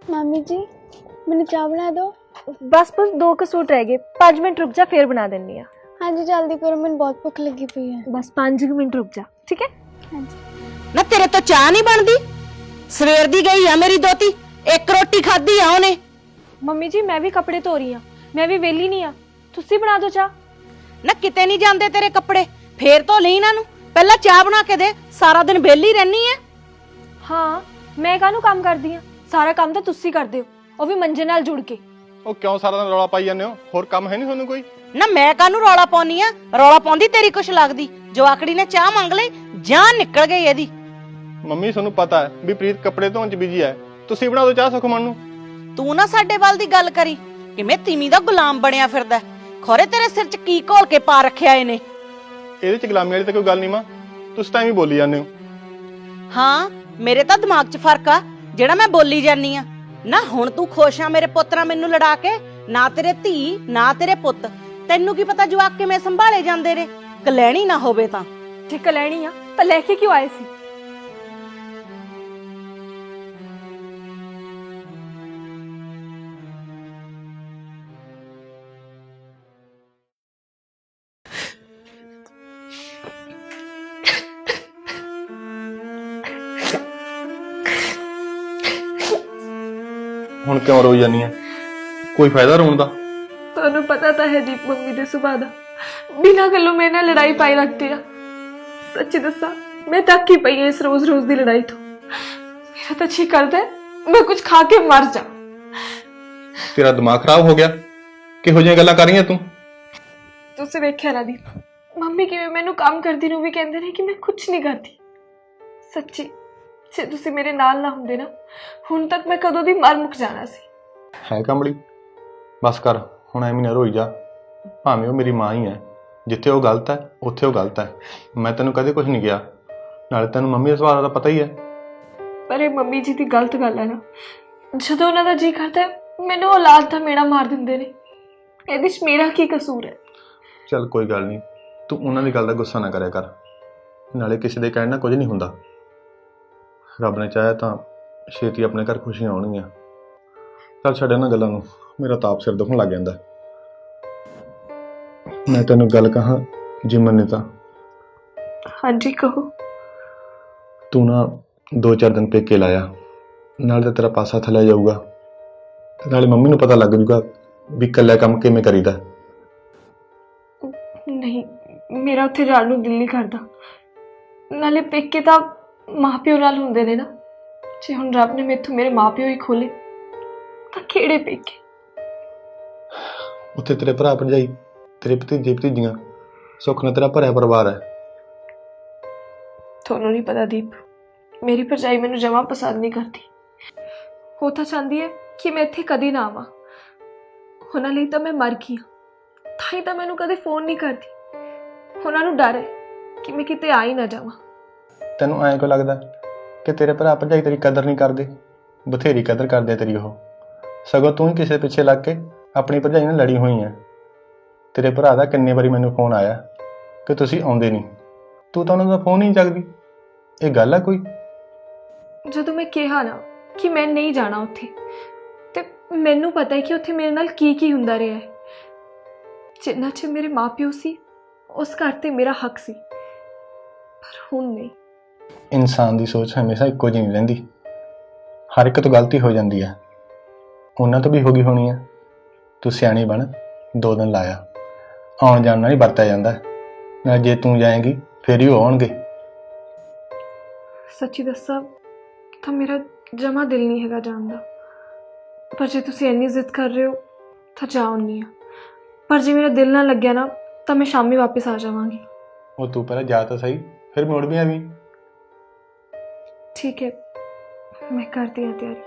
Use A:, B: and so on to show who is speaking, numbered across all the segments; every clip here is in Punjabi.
A: मामी जी मैंने चाय बना दो।
B: बस 2 क सूट रह गए, 5 मिनट रुक जा फिर बना देनी।
A: हाँ जी जल्दी करो, मैंने बहुत भूख लगी हुई है।
B: बस 5 मिनट रुक जा, ठीक है?
A: हाँ जी।
C: ना तेरे तो चाह नहीं बनती, सवेर दी गई है मेरी दोती, एक रोटी खाधी है उन्हें।
B: मम्मी जी मैं भी कपड़े धो रही हूं, मैं भी वेली नहीं आ, तुसी बना दो चाह।
C: ना किते नहीं जाते तेरे कपड़े, फेर तो ली इन्हां नूं, पहला चाह बना के दे, सारा दिन वेली रहनी है।
B: हाँ मैं काहनू काम करदी हां, सारा काम तो तुसी करदे हो, ਉਹ ਵੀ ਮੰਜੇ ਨਾਲ ਜੁੜ ਕੇ।
D: ਉਹ ਕਿਉਂ ਸਾਰਾ ਦਿਨ ਰੌਲਾ ਪਾਈ ਜਾਂਦੇ ਹੋ? ਹੋਰ ਕੰਮ ਹੈ ਨਹੀਂ ਤੁਹਾਨੂੰ ਕੋਈ?
C: ਨਾ ਮੈਂ ਕਾਹਨੂੰ ਰੌਲਾ ਪਾਉਣੀ ਆ, ਰੌਲਾ ਪਾਉਂਦੀ ਤੇਰੀ ਕੁਛ ਲੱਗਦੀ। ਜਵਾਕੜੀ ਨੇ ਚਾਹ ਮੰਗ ਲਈ, ਜਾਨ ਨਿਕਲ ਗਈ ਇਹਦੀ।
D: ਮੰਮੀ ਤੁਹਾਨੂੰ ਪਤਾ ਹੈ ਵੀ ਪ੍ਰੀਤ ਕੱਪੜੇ ਧੋਣ 'ਚ ਬਿਜੀ ਹੈ, ਤੁਸੀਂ ਬਣਾ ਦਿਓ ਚਾਹ ਸੁਖਮਨ ਨੂੰ।
C: ਤੂੰ ਨਾ ਸਾਡੇ ਵੱਲ ਦੀ ਗੱਲ ਕਰੀ, ਕਿਵੇਂ ਤੀਵੀਂ ਦਾ ਗੁਲਾਮ ਬਣਿਆ ਫਿਰਦਾ। ਖੋਰੇ ਤੇਰੇ ਸਿਰ 'ਚ ਕੀ ਘੋਲ ਕੇ ਪਾ ਰੱਖਿਆ ਇਹਨੇ।
D: ਇਹਦੇ 'ਚ ਗੁਲਾਮੀ ਵਾਲੀ ਤਾਂ ਕੋਈ ਗੱਲ ਨਹੀਂ ਮਾਂ, ਤੁਸੀਂ ਤਾਂ ਐਵੇਂ ਬੋਲੀ ਜਾਂਦੇ ਹੋ।
C: ਹਾਂ ਮੇਰੇ ਤਾਂ ਦਿਮਾਗ 'ਚ ਫਰਕ ਆ ਜਿਹੜਾ ਮੈਂ ਬੋਲੀ ਜਾਨੀ ਆ। ਨਾ ਹੁਣ ਤੂੰ ਖੁਸ਼ ਆ ਮੇਰੇ ਪੁੱਤ ਨਾਲ ਮੈਨੂੰ ਲੜਾ ਕੇ? ਨਾ ਤੇਰੇ ਧੀ ਨਾ ਤੇਰੇ ਪੁੱਤ, ਤੈਨੂੰ ਕੀ ਪਤਾ ਜਵਾਕ ਕਿਵੇਂ ਸੰਭਾਲੇ ਜਾਂਦੇ ਨੇ, ਕਲੈਣੀ ਨਾ ਹੋਵੇ ਤਾਂ।
B: ਠੀਕ ਲੈਣੀ ਆ ਤਾਂ ਲੈ ਕੇ ਕਿਉਂ ਆਏ ਸੀ?
D: ਹੁਣ ਕਿਉਂ ਰੋਈ ਜਾਂਦੀ ਆ? ਕੋਈ ਫਾਇਦਾ ਰੋਣ ਦਾ?
B: ਤੁਹਾਨੂੰ ਪਤਾ ਤਾਂ ਹੈ ਦੀਪ ਮੰਮੀ ਦੇ ਸੁਭਾਅ ਦਾ, ਬਿਨਾਂ ਗੱਲੋਂ ਮੇਰੇ ਨਾਲ ਲੜਾਈ ਪਾਈ ਰੱਖਦੇ ਆ। ਸੱਚੀ ਦੱਸਾਂ ਮੈਂ ਤੱਕ ਹੀ ਪਈ ਇਸ ਰੋਜ਼ ਦੀ ਲੜਾਈ ਤੋਂ। ਮੇਰਾ ਤਾਂ ਜੀ ਕਰਦਾ ਮੈਂ ਕੁਝ ਖਾ ਕੇ ਮਰ ਜਾ।
D: ਤੇਰਾ ਦਿਮਾਗ ਖਰਾਬ ਹੋ ਗਿਆ? ਕਿਹੋ ਜਿਹੀਆਂ ਗੱਲਾਂ ਕਰ ਰਹੀ ਆ ਤੂੰ?
B: ਤੁਸੀਂ ਵੇਖਿਆ ਨਾ ਦੀਪ, ਮੰਮੀ ਕਿਵੇਂ ਮੈਨੂੰ ਕੰਮ ਕਰਦੀ ਨੂੰ ਵੀ ਕਹਿੰਦੇ ਨੇ ਕਿ ਮੈਂ ਕੁਝ ਨਹੀਂ ਕਰਦੀ। ਸੱਚੀ ਜੇ ਤੁਸੀਂ ਮੇਰੇ ਨਾਲ ਨਾ ਹੁੰਦੇ ਨਾ, ਹੁਣ ਤੱਕ ਮੈਂ ਕਦੋਂ ਦੀ ਮਰ ਮੁੱਕ ਜਾਣਾ ਸੀ।
D: ਹੈ ਕਮਲੀ, ਬਸ ਕਰ ਹੁਣ, ਐਵੇਂ ਨਾ ਰੋਈ ਜਾ। ਭਾਵੇਂ ਉਹ ਮੇਰੀ ਮਾਂ ਹੀ ਹੈ, ਜਿੱਥੇ ਉਹ ਗਲਤ ਹੈ ਉੱਥੇ ਉਹ ਗਲਤ ਹੈ। ਮੈਂ ਤੈਨੂੰ ਕਦੇ ਕੁਝ ਨਹੀਂ ਕਿਹਾ, ਨਾਲੇ ਤੈਨੂੰ ਮੰਮੀ ਦੇ ਸੁਭਾਅ ਦਾ ਪਤਾ ਹੀ ਹੈ।
B: ਪਰ ਇਹ ਮੰਮੀ ਜੀ ਦੀ ਗਲਤ ਗੱਲ ਹੈ ਨਾ, ਜਦੋਂ ਉਹਨਾਂ ਦਾ ਜੀ ਕਰਦਾ ਮੈਨੂੰ ਔਲਾਦ ਦਾ ਮੇੜਾ ਮਾਰ ਦਿੰਦੇ ਨੇ। ਇਹਦੇ 'ਚ ਮੇਰਾ ਕੀ ਕਸੂਰ ਹੈ?
D: ਚੱਲ ਕੋਈ ਗੱਲ ਨਹੀਂ, ਤੂੰ ਉਹਨਾਂ ਦੀ ਗੱਲ ਦਾ ਗੁੱਸਾ ਨਾ ਕਰਿਆ ਕਰ, ਨਾਲੇ ਕਿਸੇ ਦੇ ਕਹਿਣ ਨਾਲ ਕੁਝ ਨਹੀਂ ਹੁੰਦਾ। ਰੱਬ ਨੇ ਚਾਹਿਆ ਤਾਂ ਛੇਤੀ ਆਪਣੇ ਘਰ ਖੁਸ਼ੀਆਂ ਆਉਣਗੀਆਂ। ਚੱਲ ਛੱਡ ਇਹਨਾਂ ਗੱਲਾਂ ਨੂੰ, ਮੇਰਾ ਤਾਪ ਸਿਰ ਦੁਖਣ ਲੱਗ ਜਾਂਦਾ। ਮੈਂ ਤੈਨੂੰ ਗੱਲ ਕਹਾਂ ਜੇ ਮੰਨੇ ਤਾਂ?
B: ਹਾਂਜੀ ਕਹੋ।
D: ਤੂੰ ਨਾ 2-4 ਦਿਨ ਪੇਕੇ ਲਾਇਆ, ਨਾਲੇ ਤਾਂ ਤੇਰਾ ਪਾਸਾ ਥੱਲੇ ਜਾਊਗਾ, ਤੇ ਨਾਲੇ ਮੰਮੀ ਨੂੰ ਪਤਾ ਲੱਗ ਜੂਗਾ ਵੀ ਇਕੱਲਾ ਕੰਮ ਕਿਵੇਂ ਕਰੀਦਾ।
B: ਨਹੀਂ ਮੇਰਾ ਉੱਥੇ ਜਾਣ ਨੂੰ ਦਿਲ ਨਹੀਂ ਕਰਦਾ, ਨਾਲੇ ਪੇਕੇ ਤਾਂ ਮਾਪਿਓ ਨਾਲ ਹੁੰਦੇ ਨੇ ਨਾ। ਜੇ ਹੁਣ ਰੱਬ ਨੇ ਮੈਥੋਂ ਮੇਰੇ ਮਾਪਿਓ ਹੀ ਖੋਲੇ ਤਾਂ ਕਿਹੜੇ ਪੇਕੇ?
D: ਉੱਥੇ ਤੇਰੇ ਭਰਾ ਭਰਜਾਈ, ਤੇਰੇ ਭਤੀਜੇ ਭਤੀਜੀਆਂ, ਸੁੱਖ ਨਾਲ ਤੇਰਾ ਭਰਿਆ ਪਰਿਵਾਰ ਹੈ।
B: ਤੁਹਾਨੂੰ ਨਹੀਂ ਪਤਾ ਦੀਪ, ਮੇਰੀ ਭਰਜਾਈ ਮੈਨੂੰ ਜਮਾਂ ਪਸੰਦ ਨਹੀਂ ਕਰਦੀ। ਉਹ ਤਾਂ ਚਾਹੁੰਦੀ ਹੈ ਕਿ ਮੈਂ ਇੱਥੇ ਕਦੀ ਨਾ ਆਵਾਂ। ਉਹਨਾਂ ਲਈ ਤਾਂ ਮੈਂ ਮਰ ਗਈ ਹਾਂ, ਤਾਂ ਹੀ ਤਾਂ ਮੈਨੂੰ ਕਦੇ ਫੋਨ ਨਹੀਂ ਕਰਦੀ। ਉਹਨਾਂ ਨੂੰ ਡਰ ਹੈ ਕਿ ਮੈਂ ਕਿਤੇ ਆ ਹੀ ਨਾ ਜਾਵਾਂ।
D: ਤੈਨੂੰ ਐਂ ਕਿਉਂ ਲੱਗਦਾ ਕਿ ਤੇਰੇ ਭਰਾ ਭਰਜਾਈ ਤੇਰੀ ਕਦਰ ਨਹੀਂ ਕਰਦੇ? ਬਥੇਰੀ ਕਦਰ ਕਰਦੇ ਤੇਰੀ ਉਹ, ਸਗੋਂ ਤੂੰ ਹੀ ਕਿਸੇ ਪਿੱਛੇ ਲੱਗ ਕੇ ਆਪਣੀ ਭਰਜਾਈ ਨਾਲ ਲੜੀ ਹੋਈ ਹੈ। ਤੇਰੇ ਭਰਾ ਦਾ ਕਿੰਨੇ ਵਾਰੀ ਮੈਨੂੰ ਫੋਨ ਆਇਆ ਕਿ ਤੁਸੀਂ ਆਉਂਦੇ ਨਹੀਂ, ਤੂੰ ਤਾਂ ਉਹਨਾਂ ਦਾ ਫੋਨ ਹੀ ਨਹੀਂ ਚੱਕਦੀ। ਇਹ ਗੱਲ ਆ ਕੋਈ?
B: ਜਦੋਂ ਮੈਂ ਕਿਹਾ ਨਾ ਕਿ ਮੈਂ ਨਹੀਂ ਜਾਣਾ ਉੱਥੇ, ਤੇ ਮੈਨੂੰ ਪਤਾ ਹੈ ਕਿ ਉੱਥੇ ਮੇਰੇ ਨਾਲ ਕੀ ਹੁੰਦਾ ਰਿਹਾ ਹੈ। ਜਿੰਨਾ ਚਿਰ ਮੇਰੇ ਮਾਪਿਓ ਸੀ ਉਸ ਘਰ ਤੇ ਮੇਰਾ ਹੱਕ ਸੀ, ਪਰ ਹੁਣ ਨਹੀਂ।
D: ਇਨਸਾਨ ਦੀ ਸੋਚ ਹਮੇਸ਼ਾ ਇੱਕੋ ਜਿਹੀ ਨਹੀਂ ਰਹਿੰਦੀ, ਹਰ ਇੱਕ ਤੋਂ ਗਲਤੀ ਹੋ ਜਾਂਦੀ ਹੈ। ਉਹਨਾਂ ਤੋਂ ਵੀ ਹੋ ਗਈ ਹੋਣੀ ਹੈ। ਤੂੰ ਸਿਆਣੀ ਬਣ, 2 ਦਿਨ ਲਾਇਆ, ਆਉਣ ਜਾਣ ਨਾਲ ਹੀ ਵਰਤਿਆ ਜਾਂਦਾ, ਨਾ ਜੇ ਤੂੰ ਜਾਏਂਗੀ ਫਿਰ ਹੀ ਉਹ ਆਉਣਗੇ।
B: ਸੱਚੀ ਦੱਸਾਂ ਤਾਂ ਮੇਰਾ ਜਮਾ ਦਿਲ ਨਹੀਂ ਹੈਗਾ ਜਾਣ ਦਾ, ਪਰ ਜੇ ਤੁਸੀਂ ਇੰਨੀ ਜ਼ਿੱਦ ਕਰ ਰਹੇ ਹੋ ਤਾਂ ਜਾ ਆਉਂਦੀ ਹਾਂ। ਪਰ ਜੇ ਮੇਰਾ ਦਿਲ ਨਾ ਲੱਗਿਆ ਨਾ ਤਾਂ ਮੈਂ ਸ਼ਾਮੀ ਵਾਪਸ ਆ ਜਾਵਾਂਗੀ।
D: ਉਹ ਤੂੰ ਪਹਿਲਾਂ ਜਾ ਤਾਂ ਸਹੀ, ਫਿਰ ਮੁੜ ਵੀ ਆਵੀਂ।
B: ठीक है मैं करती हूँ तैयारी।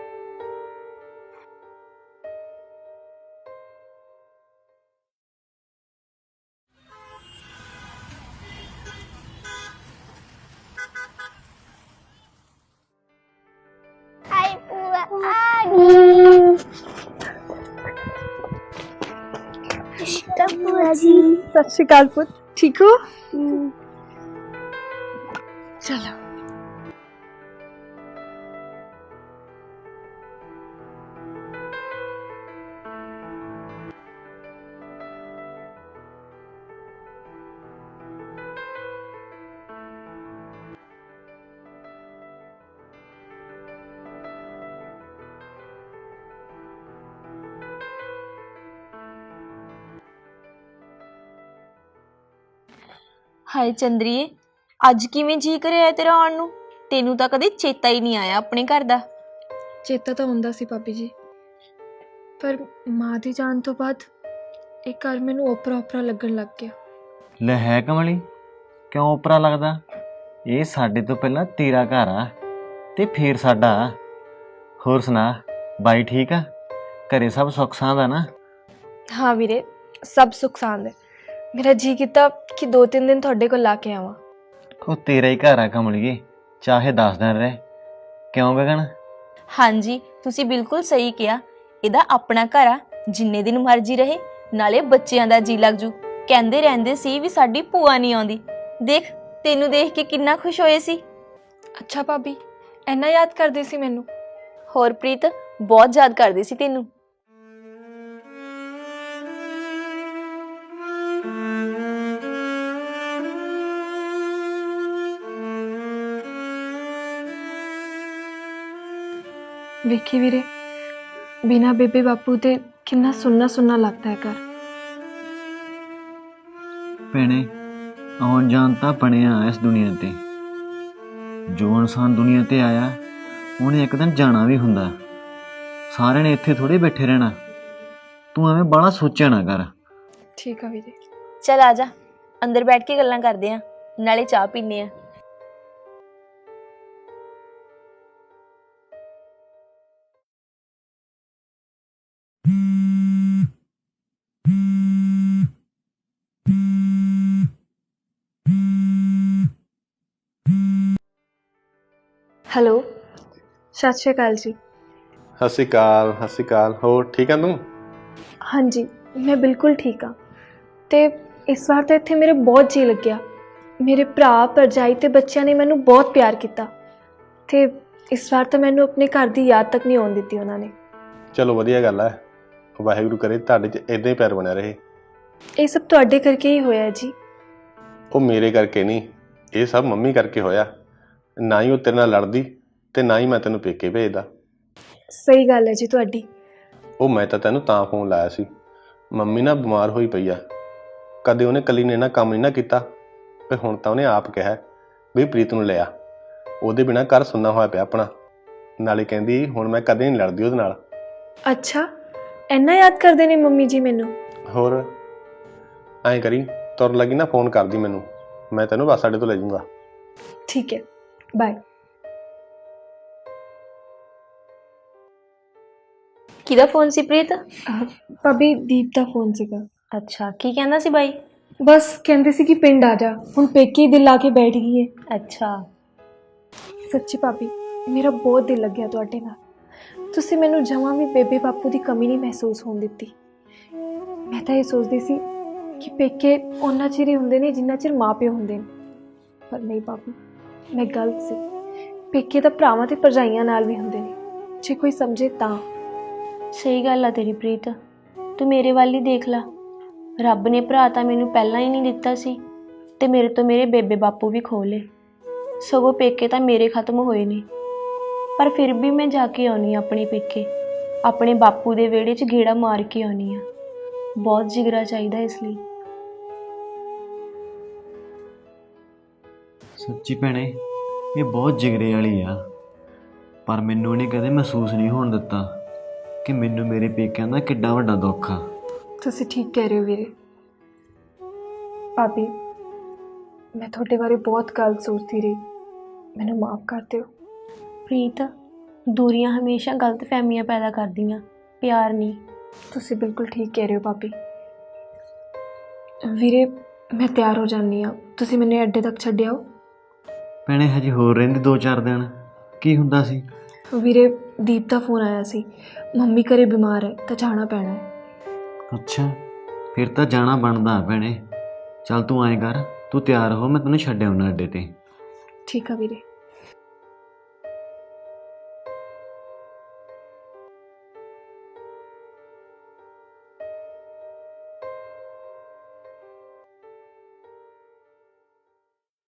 A: हाय पूरा आ गई। पूरा जी
B: सत श्री अकाल पुत, ठीक हो? चलो
E: ਹਾਏ ਚੰਦਰੀਏ, ਅੱਜ ਕਿਵੇਂ ਜੀ ਕਰਿਆ ਤੇਰਾ ਆਉਣ ਨੂੰ? ਤੈਨੂੰ ਤਾਂ ਕਦੇ ਚੇਤਾ ਹੀ ਨਹੀਂ ਆਇਆ ਆਪਣੇ ਘਰ ਦਾ।
B: ਚੇਤਾ ਤਾਂ ਹੁੰਦਾ ਸੀ ਭਾਬੀ ਜੀ, ਪਰ ਮਾਂ ਦੀ ਜਾਣ ਤੋਂ ਬਾਅਦ ਇਹ ਘਰ ਮੈਨੂੰ ਓਪਰਾ ਓਪਰਾ ਲੱਗਣ ਲੱਗ ਗਿਆ।
F: ਲੈ ਹੈ ਕਮਲੀ, ਕਿਉਂ ਉਪਰਾ ਲੱਗਦਾ? ਇਹ ਸਾਡੇ ਤੋਂ ਪਹਿਲਾਂ ਤੇਰਾ ਘਰ ਆ ਤੇ ਫੇਰ ਸਾਡਾ। ਹੋਰ ਸੁਣਾ, ਬਾਈ ਠੀਕ ਆ? ਘਰੇ ਸਭ ਸੁੱਖ ਸਾਂਦ ਆ ਨਾ?
B: ਹਾਂ ਵੀਰੇ, ਸਭ ਸੁੱਖ ਸਾਂਦ ਹੈ। ਮੇਰਾ ਜੀ ਕੀਤਾ ਕਿ 2-3 ਦਿਨ ਤੁਹਾਡੇ ਕੋਲ ਲਾ ਕੇ ਆਵਾਂ।
F: ਉਹ ਤੇਰਾ ਹੀ ਘਰ ਆ ਕਮਲੀਏ, ਚਾਹੇ 10 ਦਿਨ ਰਹਿ। ਕਿਉਂ ਗਗਨ?
E: ਹਾਂਜੀ, ਤੁਸੀਂ ਬਿਲਕੁਲ ਸਹੀ ਕਿਹਾ। ਇਹਦਾ ਆਪਣਾ ਘਰ ਆ, ਜਿੰਨੇ ਦਿਨ ਮਰਜ਼ੀ ਰਹੇ। ਨਾਲੇ ਬੱਚਿਆਂ ਦਾ ਜੀ ਲੱਗ ਜੂ। ਕਹਿੰਦੇ ਰਹਿੰਦੇ ਸੀ ਵੀ ਸਾਡੀ ਭੂਆ ਨਹੀਂ ਆਉਂਦੀ। ਦੇਖ, ਤੈਨੂੰ ਦੇਖ ਕੇ ਕਿੰਨਾ ਖੁਸ਼ ਹੋਏ ਸੀ।
B: ਅੱਛਾ ਭਾਬੀ, ਇੰਨਾ ਯਾਦ ਕਰਦੇ ਸੀ ਮੈਨੂੰ?
E: ਹੋਰ ਪ੍ਰੀਤ, ਬਹੁਤ ਯਾਦ ਕਰਦੇ ਸੀ ਤੈਨੂੰ।
B: ਵੇਖੀ ਵੀਰੇ, ਬਿਨਾ ਬੇਬੇ ਬਾਪੂ ਦੇ ਕਿੰਨਾ ਸੁੰਨਾ ਸੁੰਨਾ ਲੱਗਦਾ ਹੈ ਘਰ।
F: ਭੈਣੇ, ਆਉਣ ਜਾਣ ਤਾਂ ਬਣਿਆ ਇਸ ਦੁਨੀਆ ਤੇ। ਜੋ ਇਨਸਾਨ ਦੁਨੀਆ ਤੇ ਆਇਆ, ਉਹਨੇ ਇੱਕ ਦਿਨ ਜਾਣਾ ਵੀ ਹੁੰਦਾ। ਸਾਰਿਆਂ ਨੇ ਇੱਥੇ ਥੋੜੇ ਬੈਠੇ ਰਹਿਣਾ। ਤੂੰ ਐਵੇਂ ਬਾਹਲਾ ਸੋਚਿਆ ਨਾ ਕਰ।
B: ਠੀਕ ਆ ਵੀਰੇ।
E: ਚੱਲ ਆ ਜਾ, ਅੰਦਰ ਬੈਠ ਕੇ ਗੱਲਾਂ ਕਰਦੇ ਆਂ, ਨਾਲੇ ਚਾਹ ਪੀਨੇ ਆ।
B: ਹੈਲੋ, ਸਤਿ ਸ਼੍ਰੀ ਅਕਾਲ ਜੀ।
D: ਸਤਿ ਸ਼੍ਰੀ ਅਕਾਲ, ਸਤਿ ਸ਼੍ਰੀ ਅਕਾਲ। ਹੋਰ ਠੀਕ ਆ ਤੂੰ?
B: ਹਾਂਜੀ, ਮੈਂ ਬਿਲਕੁਲ ਠੀਕ ਹਾਂ। ਤੇ ਇਸ ਵਾਰ ਤਾਂ ਇੱਥੇ ਮੇਰੇ ਬਹੁਤ ਜੀ ਲੱਗਿਆ। ਮੇਰੇ ਭਰਾ, ਭਰਜਾਈ ਤੇ ਬੱਚਿਆਂ ਨੇ ਮੈਨੂੰ ਬਹੁਤ ਪਿਆਰ ਕੀਤਾ। ਤੇ ਇਸ ਵਾਰ ਤਾਂ ਮੈਨੂੰ ਆਪਣੇ ਘਰ ਦੀ ਯਾਦ ਤੱਕ ਨਹੀਂ ਆਉਣ ਦਿੱਤੀ ਉਹਨਾਂ ਨੇ।
D: ਚਲੋ ਵਧੀਆ ਗੱਲ ਹੈ। ਵਾਹਿਗੁਰੂ ਕਰੇ ਤੁਹਾਡੇ 'ਚ ਇੱਦਾਂ ਹੀ ਪਿਆਰ ਬਣਿਆ ਰਹੇ।
B: ਇਹ ਸਭ ਤੁਹਾਡੇ ਕਰਕੇ ਹੀ ਹੋਇਆ ਜੀ।
D: ਉਹ ਮੇਰੇ ਕਰਕੇ ਨਹੀਂ, ਇਹ ਸਭ ਮੰਮੀ ਕਰਕੇ ਹੋਇਆ। ਨਾ ਹੀ ਉਹ ਤੇਰੇ ਨਾਲ ਲੜਦੀ ਤੇ ਨਾ ਹੀ ਮੈਂ ਤੈਨੂੰ ਪੇਕੇ ਭੇਜਦਾ।
B: ਸਹੀ ਗੱਲ ਹੈ ਜੀ ਤੁਹਾਡੀ।
D: ਉਹ ਮੈਂ ਤਾਂ ਤੈਨੂੰ ਤਾਂ ਫੋਨ ਲਾਇਆ ਸੀ, ਮੰਮੀ ਨਾ ਬਿਮਾਰ ਹੋਈ ਪਈ ਆ। ਕਦੇ ਉਹਨੇ ਇਕੱਲੀ ਨੇ ਨਾ ਕੰਮ ਨਹੀਂ ਨਾ ਕੀਤਾ, ਤੇ ਹੁਣ ਤਾਂ ਉਹਨੇ ਆਪ ਕਿਹਾ ਵੀ ਪ੍ਰੀਤ ਨੂੰ ਲਿਆ। ਉਹਦੇ ਬਿਨਾਂ ਘਰ ਸੁੰਨਾ ਹੋਇਆ ਪਿਆ ਆਪਣਾ। ਨਾਲੇ ਕਹਿੰਦੀ ਹੁਣ ਮੈਂ ਕਦੇ ਨਹੀਂ ਲੜਦੀ ਉਹਦੇ ਨਾਲ।
B: ਅੱਛਾ, ਇੰਨਾ ਯਾਦ ਕਰਦੇ ਨੇ ਮੰਮੀ ਜੀ ਮੈਨੂੰ?
D: ਹੋਰ ਐਂ ਕਰੀ, ਤੁਰ ਲੱਗੀ ਨਾ ਫੋਨ ਕਰਦੀ ਮੈਨੂੰ, ਮੈਂ ਤੈਨੂੰ ਬੱਸ ਅੱਡੇ ਤੋਂ ਲੈ ਜਾਊਂਗਾ।
B: ਠੀਕ ਹੈ, ਬਾਏ।
E: ਕਿਹਦਾ ਫੋਨ ਸੀ ਪ੍ਰੀਤ?
B: ਭਾਬੀ, ਦੀਪ ਦਾ ਫੋਨ ਸੀਗਾ।
E: ਅੱਛਾ, ਕੀ ਕਹਿੰਦਾ ਸੀ ਬਾਈ?
B: ਬਸ ਕਹਿੰਦੇ ਸੀ ਕਿ ਪਿੰਡ ਆ ਜਾ, ਹੁਣ ਪੇਕੇ ਹੀ ਦਿਲ ਲਾ ਕੇ ਬੈਠ ਗਈ ਹੈ।
E: ਅੱਛਾ।
B: ਸੱਚੀ ਭਾਬੀ, ਮੇਰਾ ਬਹੁਤ ਦਿਲ ਲੱਗਿਆ ਤੁਹਾਡੇ ਨਾਲ। ਤੁਸੀਂ ਮੈਨੂੰ ਜਮਾਂ ਵੀ ਬੇਬੇ ਬਾਪੂ ਦੀ ਕਮੀ ਨਹੀਂ ਮਹਿਸੂਸ ਹੋਣ ਦਿੱਤੀ। ਮੈਂ ਤਾਂ ਇਹ ਸੋਚਦੀ ਸੀ ਕਿ ਪੇਕੇ ਉਹਨਾਂ ਚਿਰ ਹੀ ਹੁੰਦੇ ਨੇ ਜਿੰਨਾ ਚਿਰ ਮਾਂ ਪਿਓ ਹੁੰਦੇ ਨੇ, ਪਰ ਨਹੀਂ ਭਾਬੀ, ਮੈਂ ਗਲਤ ਸੀ। ਪੇਕੇ ਤਾਂ ਭਰਾਵਾਂ ਤੇ ਭਰਜਾਈਆਂ ਨਾਲ ਵੀ ਹੁੰਦੇ ਨੇ, ਜੇ ਕੋਈ ਸਮਝੇ ਤਾਂ।
E: ਸਹੀ ਗੱਲ ਆ ਤੇਰੀ ਪ੍ਰੀਤ, ਤੂੰ ਮੇਰੇ ਵੱਲ ਹੀ ਦੇਖ ਲਾ। ਰੱਬ ਨੇ ਭਰਾ ਤਾਂ ਮੈਨੂੰ ਪਹਿਲਾਂ ਹੀ ਨਹੀਂ ਦਿੱਤਾ ਸੀ, ਤੇ ਮੇਰੇ ਤੋਂ ਮੇਰੇ ਬੇਬੇ ਬਾਪੂ ਵੀ ਖੋਹ ਲਏ। ਸਗੋਂ ਪੇਕੇ ਤਾਂ ਮੇਰੇ ਖਤਮ ਹੋਏ ਨੇ, ਪਰ ਫਿਰ ਵੀ ਮੈਂ ਜਾ ਕੇ ਆਉਣੀ ਆ ਆਪਣੇ ਪੇਕੇ। ਆਪਣੇ ਬਾਪੂ ਦੇ ਵਿਹੜੇ 'ਚ ਗੇੜਾ ਮਾਰ ਕੇ ਆਉਣੀ ਆ। ਬਹੁਤ ਜਿਗਰਾ ਚਾਹੀਦਾ ਇਸ ਲਈ।
F: ਸੱਚੀ ਭੈਣੇ, ਇਹ ਬਹੁਤ ਜਿਗਰੇ ਵਾਲੀ ਆ। ਪਰ ਮੈਨੂੰ ਇਹਨੇ ਕਦੇ ਮਹਿਸੂਸ ਨਹੀਂ ਹੋਣ ਦਿੱਤਾ ਕਿ ਮੈਨੂੰ ਮੇਰੇ ਪੇਕਿਆਂ ਦਾ ਕਿੱਡਾ ਵੱਡਾ ਦੁੱਖ ਆ।
B: ਤੁਸੀਂ ਠੀਕ ਕਹਿ ਰਹੇ ਹੋ ਵੀਰੇ। ਭਾਬੀ, ਮੈਂ ਤੁਹਾਡੇ ਬਾਰੇ ਬਹੁਤ ਗਲਤ ਸੋਚਦੀ ਰਹੀ, ਮੈਨੂੰ ਮਾਫ ਕਰ ਦਿਓ।
E: ਪ੍ਰੀਤ, ਦੂਰੀਆਂ ਹਮੇਸ਼ਾ ਗਲਤ ਫਹਿਮੀਆਂ ਪੈਦਾ ਕਰਦੀਆਂ, ਪਿਆਰ ਨਹੀਂ।
B: ਤੁਸੀਂ ਬਿਲਕੁਲ ਠੀਕ ਕਹਿ ਰਹੇ ਹੋ ਭਾਬੀ। ਵੀਰੇ, ਮੈਂ ਤਿਆਰ ਹੋ ਜਾਂਦੀ ਹਾਂ, ਤੁਸੀਂ ਮੈਨੂੰ ਅੱਡੇ ਤੱਕ ਛੱਡਿਆਓ।
F: ਭੈਣੇ, ਹਜੇ ਹੋਰ ਰਹਿੰਦੇ 2-4 ਦਿਨ। ਕੀ ਹੁੰਦਾ ਸੀ?
B: ਵੀਰੇ, ਦੀਪ ਦਾ ਫੋਨ ਆਇਆ ਸੀ, ਮੰਮੀ ਘਰੇ ਬਿਮਾਰ ਹੈ ਤਾਂ ਜਾਣਾ ਪੈਣਾ ਹੈ।
F: ਅੱਛਾ, ਫਿਰ ਤਾਂ ਜਾਣਾ ਬਣਦਾ ਭੈਣੇ। ਚੱਲ ਤੂੰ ਐਂ ਕਰ, ਤੂੰ ਤਿਆਰ ਹੋ, ਮੈਂ ਤੈਨੂੰ ਛੱਡ ਆਉਣਾ ਅੱਡੇ ਤੇ।
B: ਠੀਕ ਆ ਵੀਰੇ।